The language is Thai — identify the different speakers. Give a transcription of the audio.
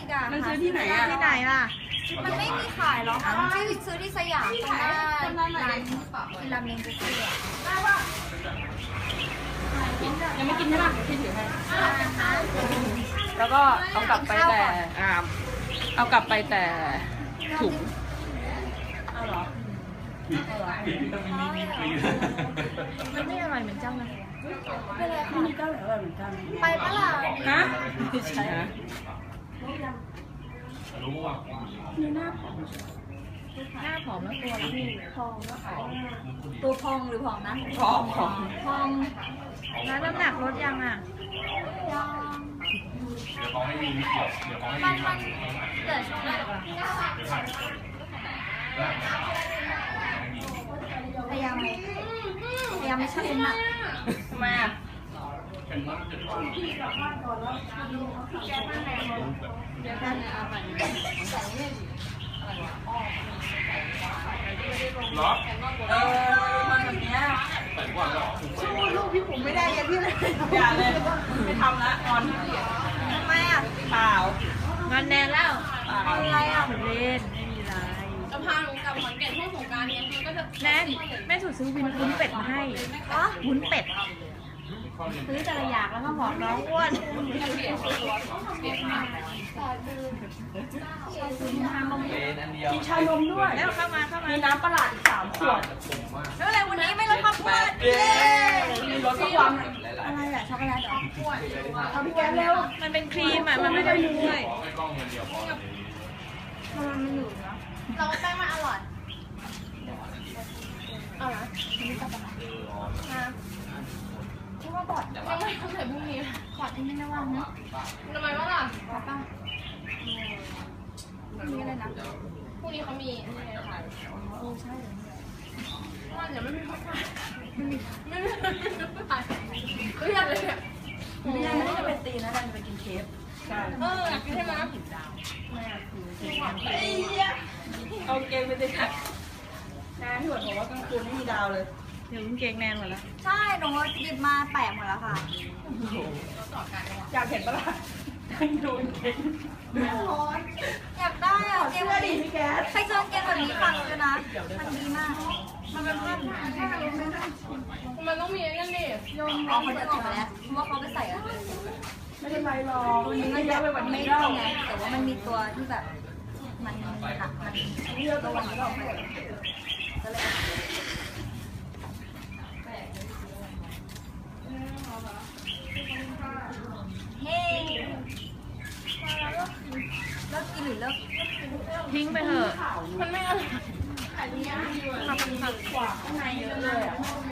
Speaker 1: อีกอ่ะ
Speaker 2: มันซื้อที่ไหนอ่ะ
Speaker 3: ที่ไหนล่ะ
Speaker 1: มันไม่มีขายหรอกค่ะที่ซื้อที่สยามตรงหน้าร้านกินราเมงบุฟเฟ่ต์
Speaker 2: ยังไม่กินใช่ป่ะพี่ถือให้
Speaker 1: นะคะ
Speaker 2: แล้วก็เอากลับไปแต่เอากลับไปแต่ถุงเอาเหรอ
Speaker 3: มันไม่อร่อยเหมือนเจ้านะ
Speaker 1: ไปเลย
Speaker 2: ที่
Speaker 1: ค่ะ
Speaker 2: นี่ก็อร่อยเหมือนกัน
Speaker 1: ไปปะล่ะ
Speaker 2: ฮะไม่ใช่ฮะ
Speaker 3: หน้าผอมแล้วตัวละพี่
Speaker 1: พองแล้วค่ะตัวพองหรือผอมนะ
Speaker 2: พร้อมพร้อม
Speaker 1: พอง
Speaker 3: แล้วน้ำหนักลดยังอ่ะ
Speaker 1: ยัง
Speaker 4: เดี๋ยวเขาให้มีเกี่ยวเดี๋ยวเขาให้
Speaker 1: มัน
Speaker 4: มี
Speaker 1: เหลือช่วงไหนพยายามไม่ชั่งน้ำหนัก
Speaker 2: ทำไมอ่ะ
Speaker 4: เหรอ
Speaker 2: มันแบบเนี้ย
Speaker 4: ใส่ก่อนเหรอ
Speaker 2: สู้ลูกพี่ผมไม่ได้ยังพี่เลยอย่าเลยไม่ทำละงอน
Speaker 1: ทำไมอ่ะ
Speaker 2: เปล่าง
Speaker 3: อนแนนแล้ว
Speaker 1: อะไรอ่ะ
Speaker 3: เล่นไม่มีไร
Speaker 5: จะพาหนูกลับขอนแก่นช่วงสงกรานต์เนี้ยมันก็จะ
Speaker 3: แนนแม่สุดซื้อวุ้นเป็ดมาให้
Speaker 1: อ๋อ
Speaker 3: วุ้นเป็ด ซื้อแต่ละอย่างแล้วก็บอกน้องอ้วน
Speaker 2: มีชานมด้วย
Speaker 3: แล้วเข้ามา
Speaker 2: มีน้ำประหลาดอีก3 ขวด
Speaker 1: แล้วอะไรวันนี้ไม่ลดความอ้วน
Speaker 2: เย้มีรสสักวัน
Speaker 1: อะไรอ่ะช็อกโกแลตเหรอ
Speaker 2: เอาพี่แก๊สเร็ว
Speaker 3: มันเป็นครีมอ่ะ มันไม่ได้ด้วย
Speaker 4: ขอให้กล้องเงินเดียวพอเลย
Speaker 1: มันอยู่เนาะเราแป้งมันอร่อยเอาละคิดว่าบอด
Speaker 5: ยังไม่ต้องใส่พรุ่งนี้
Speaker 1: ขอดที่ไม่ได้ว่างนะ
Speaker 5: ทำไมวะล่ะ
Speaker 1: ขอดป่ะนี่อะไรนะ
Speaker 5: พรุ่งนี้เขามีนี่ไงค่ะ
Speaker 1: โอ้ใช่
Speaker 5: ว่าเดี๋ยวไม่มีเขาขายไม่มีขายเครียดเลยเนี่ย
Speaker 2: ไม่ได้จะไปตีนะดันไปกินเคฟใช่
Speaker 5: อยากกินใช่ไหม
Speaker 2: ไอ้เหี้ยเอาเกงไปดิค่ะนะพี่หวดบอกว่ากลางคืนไม่มีดาวเลย
Speaker 3: เดี๋ยวกางเกงแนนหมดแล้ว
Speaker 1: ใช่หนูหยิบมาแปะหมดแล้วค่ะ
Speaker 2: อยากเห็นปะล่ะนั่งดูเกง
Speaker 1: อยากได้อ่ะเก
Speaker 2: เสื้
Speaker 1: ม
Speaker 2: อ
Speaker 1: แบบ
Speaker 2: ดิ
Speaker 1: นี้
Speaker 2: พี่แก๊ส
Speaker 1: ใครเจอเกมแบบนี้ฟังเลยนะ มันดีมาก มันเป็นภาพ
Speaker 5: มันต้องมีไอ้นั่นดิ
Speaker 1: โยนออกมาจะออกมาแล้วเพราะว่าเขาไปใส่อะ
Speaker 2: ไม่เป็นไรหรอก
Speaker 1: ตัว
Speaker 2: มัน
Speaker 1: นี้
Speaker 2: ไม่
Speaker 1: มัน
Speaker 2: เย
Speaker 1: แบ
Speaker 2: อะ
Speaker 1: บ
Speaker 2: ไปกว่า
Speaker 1: ไม่
Speaker 2: นี้
Speaker 1: ได้
Speaker 2: แล้ว
Speaker 1: ไง แต่ว่ามันมีตัวที่แบบ มันหนักมัน
Speaker 2: เลือกตัวนี้ออกไป
Speaker 1: ก็เลยเฮ้เลิกกินหรือเลิก
Speaker 3: ทิ้งไปเถอะ
Speaker 5: มันไม่อร่อย
Speaker 2: กว่าข้างในเยอะเลยอ่ะ